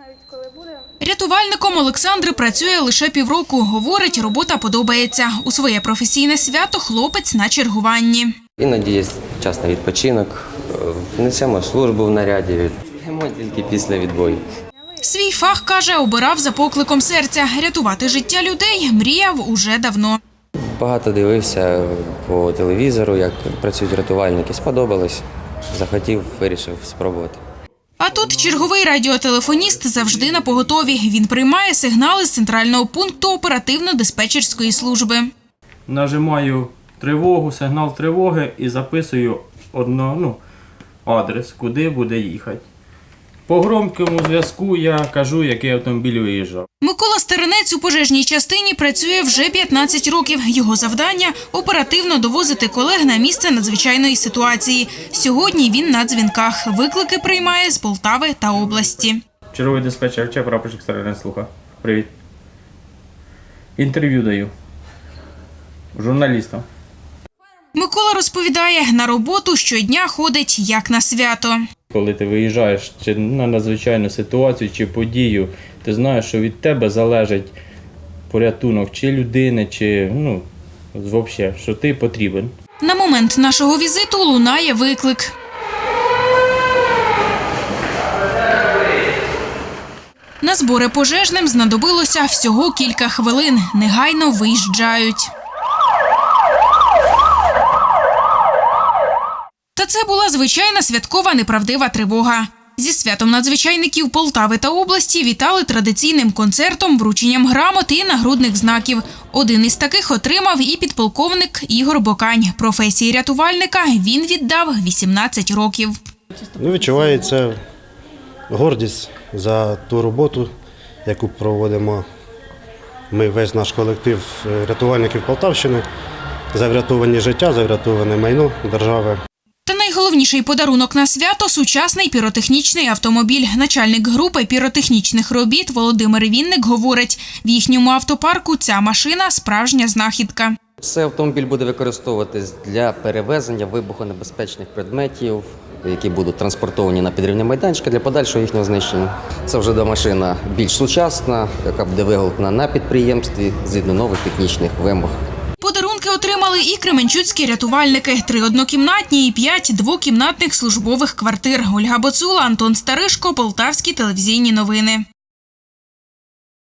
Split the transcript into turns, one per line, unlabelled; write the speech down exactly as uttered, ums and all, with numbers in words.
Рятувальником Олександр працює лише півроку. Говорить, робота подобається. У своє професійне свято хлопець на чергуванні.
Іноді є час на відпочинок, несемо службу в наряді, йдемо тільки після відбою.
Свій фах, каже, обирав за покликом серця. Рятувати життя людей мріяв уже давно.
Багато дивився по телевізору, як працюють рятувальники. Сподобалось, захотів, вирішив спробувати.
А тут черговий радіотелефоніст завжди на поготові. Він приймає сигнали з центрального пункту оперативно-диспетчерської служби.
Нажимаю тривогу, сигнал тривоги і записую одно, ну, адрес, куди буде їхати. По громкому зв'язку я кажу, який автомобіль виїжджав.
Микола Стеренець у пожежній частині працює вже п'ятнадцять років. Його завдання – оперативно довозити колег на місце надзвичайної ситуації. Сьогодні він на дзвінках. Виклики приймає з Полтави та області.
Черговий диспетчер, чи прапорщик Стеренець слуха. Привіт. Інтерв'ю даю. Журналістам.
Микола розповідає, на роботу щодня ходить як на свято.
Коли ти виїжджаєш чи на надзвичайну ситуацію, чи подію, ти знаєш, що від тебе залежить порятунок чи людини, чи, ну, взагалі, що ти потрібен.
На момент нашого візиту лунає виклик. На збори пожежним знадобилося всього кілька хвилин. Негайно виїжджають. Та це була звичайна святкова неправдива тривога. Зі святом надзвичайників Полтави та області вітали традиційним концертом, врученням грамот і нагрудних знаків. Один із таких отримав і підполковник Ігор Бокань. Професії рятувальника він віддав вісімнадцять років.
Ну, відчувається гордість за ту роботу, яку проводимо ми, весь наш колектив рятувальників Полтавщини, за врятовані життя, за врятоване майно держави.
Та найголовніший подарунок на свято – сучасний піротехнічний автомобіль. Начальник групи піротехнічних робіт Володимир Вінник говорить, в їхньому автопарку ця машина – справжня знахідка.
Цей автомобіль буде використовуватись для перевезення вибухонебезпечних предметів, які будуть транспортовані на підривні майданчики для подальшого їхнього знищення. Це вже до машина більш сучасна, яка буде виготовлена на підприємстві згідно нових технічних вимог.
Подарунки отримали і кременчуцькі рятувальники. Три однокімнатні і п'ять двокімнатних службових квартир. Ольга Боцула, Антон Старишко, Полтавські телевізійні новини.